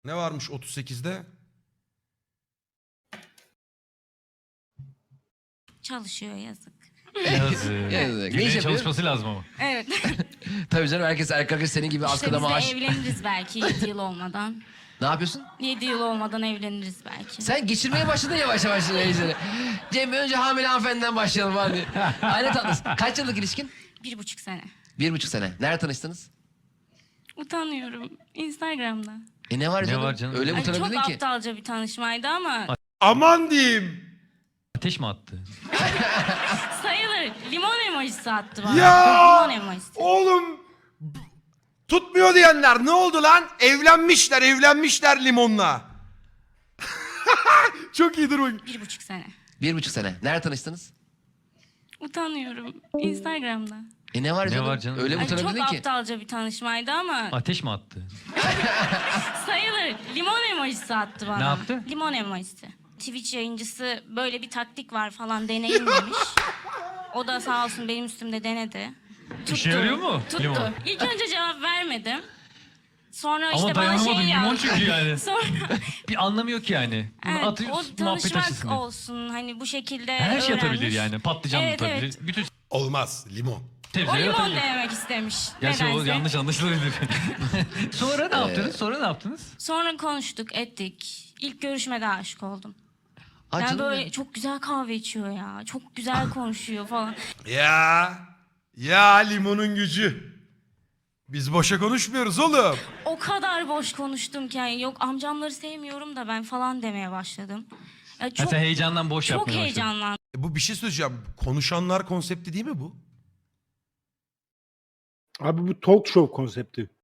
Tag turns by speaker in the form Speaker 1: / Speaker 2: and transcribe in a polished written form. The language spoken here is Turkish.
Speaker 1: Ne varmış 38'de?
Speaker 2: Çalışıyor yazık.
Speaker 3: Yazık.
Speaker 4: Ne iş
Speaker 3: Güllerin
Speaker 4: yapıyor?
Speaker 3: çalışması lazım ama.
Speaker 2: Evet.
Speaker 4: Tabii canım, herkes erkek arkadaş senin gibi
Speaker 2: İşte
Speaker 4: askıda
Speaker 2: biz de
Speaker 4: maaş.
Speaker 2: evleniriz belki 7 yıl olmadan.
Speaker 4: Ne yapıyorsun?
Speaker 2: 7 yıl olmadan evleniriz belki.
Speaker 4: Sen geçirmeye başladın yavaş yavaş işleri. Cem, önce hamile hanımefendiden başlayalım hadi. Aile tatlısın. Kaç yıllık ilişkin?
Speaker 2: 1,5 sene.
Speaker 4: 1,5 sene. Nerede tanıştınız?
Speaker 2: Utanıyorum. Instagram'da.
Speaker 4: Ne var
Speaker 3: Ne
Speaker 4: canım?
Speaker 3: var canım?
Speaker 4: Öyle mi
Speaker 2: Ay, çok
Speaker 4: utanabildin ki?
Speaker 2: aptalca bir tanışmaydı ama
Speaker 1: Aman diyeyim.
Speaker 3: Ateş mi attı?
Speaker 2: sayılır. Limon emojisi attı bana.
Speaker 1: Ya!
Speaker 2: Limon emojisi.
Speaker 1: Oğlum. Tutmuyor diyenler ne oldu lan? Evlenmişler limonla. Çok iyi, dur bakayım.
Speaker 2: 1,5 sene.
Speaker 4: 1,5 sene. Nerede tanıştınız?
Speaker 2: Utanıyorum. Instagram'da.
Speaker 4: Ne var
Speaker 3: Ne
Speaker 4: canım?
Speaker 3: var canım?
Speaker 4: Öyle mi
Speaker 2: Ay, çok
Speaker 4: utanabildin ki?
Speaker 2: aptalca bir tanışmaydı ama
Speaker 3: Ateş mi attı?
Speaker 2: sayılır. Limon emojisi attı bana.
Speaker 3: Ne yaptı?
Speaker 2: Limon emojisi. Twitch yayıncısı böyle bir taktik var falan deneyim demiş. O da sağ olsun benim üstümde denedi.
Speaker 3: İşe yarıyor mu?
Speaker 2: Tuttu.
Speaker 3: Limon.
Speaker 2: İlk önce cevap vermedim. Sonra
Speaker 3: Ama
Speaker 2: işte bana
Speaker 3: dayanamadım,
Speaker 2: şey
Speaker 3: limon
Speaker 2: yazdı.
Speaker 3: çünkü yani.
Speaker 2: Sonra
Speaker 3: Bir anlamıyor ki yani. Bunu
Speaker 2: evet,
Speaker 3: atıyorsun,
Speaker 2: o
Speaker 3: muhabbet
Speaker 2: tanışmak
Speaker 3: açısın.
Speaker 2: olsun hani bu şekilde
Speaker 3: Her şey
Speaker 2: öğrenmiş.
Speaker 3: atabilir yani. Patlıcan
Speaker 2: Evet,
Speaker 3: atabilir.
Speaker 2: evet.
Speaker 3: Bütün
Speaker 1: Olmaz limon.
Speaker 2: O
Speaker 3: sebzeleri
Speaker 2: limon
Speaker 3: atabilir.
Speaker 2: denemek istemiş.
Speaker 3: Gerçi o
Speaker 2: nedense.
Speaker 3: yanlış anlaşılabilir. Sonra ne yaptınız? Sonra ne yaptınız?
Speaker 2: Sonra konuştuk, ettik. İlk görüşmede aşık oldum.
Speaker 4: Aa,
Speaker 2: Yani
Speaker 4: canım
Speaker 2: böyle
Speaker 4: benim.
Speaker 2: çok güzel kahve içiyor ya. Çok güzel konuşuyor falan.
Speaker 1: Ya limonun gücü. Biz boşa konuşmuyoruz oğlum.
Speaker 2: O kadar boş konuştum ki yani yok amcamları sevmiyorum da ben falan demeye başladım. Ya
Speaker 3: Ha,
Speaker 2: çok
Speaker 3: sen heyecandan boş
Speaker 2: çok
Speaker 3: yapmaya başladın.
Speaker 2: heyecanlandım.
Speaker 1: Bu bir şey söyleyeceğim. Konuşanlar konsepti değil mi bu?
Speaker 5: Abi bu talk show konsepti.